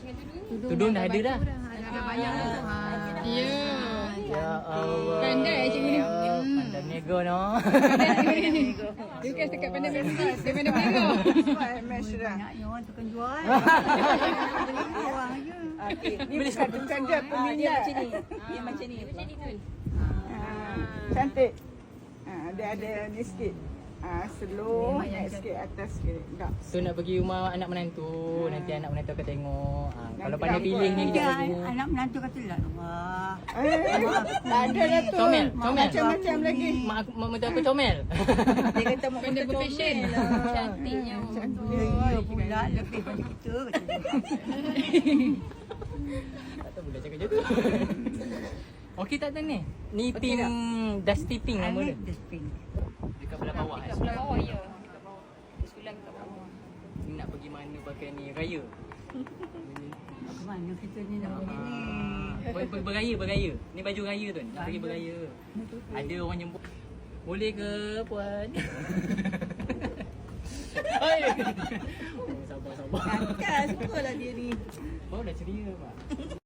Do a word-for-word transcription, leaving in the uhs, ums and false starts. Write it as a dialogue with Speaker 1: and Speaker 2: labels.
Speaker 1: Tudung dah ada dah.
Speaker 2: Ada banyak dah.
Speaker 3: Ya.
Speaker 1: Ya Allah.
Speaker 3: Pandai cikgu ni.
Speaker 1: Pandai nego no.
Speaker 3: Bukan dekat pandai nego. Dia pandai nego.
Speaker 2: Banyaknya orang tukang jual. Orang je.
Speaker 4: Ni bukan bukan dia peminat. Macam ni. Dia macam ni. Cantik. Ah, dia ada ni sikit. Ah, slow, naik sikit atas sikit. Tak.
Speaker 1: So nak pergi rumah anak menantu, nanti anak menantu akan tengok. Ha, kalau
Speaker 4: Nanti
Speaker 1: pandai
Speaker 4: apa?
Speaker 1: pilih ni
Speaker 2: Dia
Speaker 1: kita tengok.
Speaker 2: anak menantu kata lah. Wah.
Speaker 4: Eh, tak ada lah tu.
Speaker 1: Comel, comel.
Speaker 4: Macam-macam lagi.
Speaker 1: Mak aku mak menantu aku comel.
Speaker 4: Dia kata mak
Speaker 3: Pandai
Speaker 4: kita
Speaker 3: berfashion.
Speaker 4: comel lah.
Speaker 3: Cantiknya.
Speaker 2: Ya pula lebih pada kita.
Speaker 1: Tak tahu boleh cakap macam tu. Okey tak Tan ni? Ni pink Dusty Pink nama dia.
Speaker 2: Dustbin.
Speaker 1: Dekat belah bawah. eh.
Speaker 3: Sebelah bawah ya. Dekat bawah. Sebelah dekat bawah.
Speaker 1: Ni nak pergi mana pakai ni? Raya.
Speaker 2: Ke mana kita ni nak pergi ni?
Speaker 1: Ah, ber, ber, beraya, beraya. Ni baju raya tu. Nak pergi beraya. Ada orang nyebut. Boleh ke puan? Oi. Oh, sabar sabar.
Speaker 4: Kan, sukalah dia ni.
Speaker 1: Baru dah ceria pak.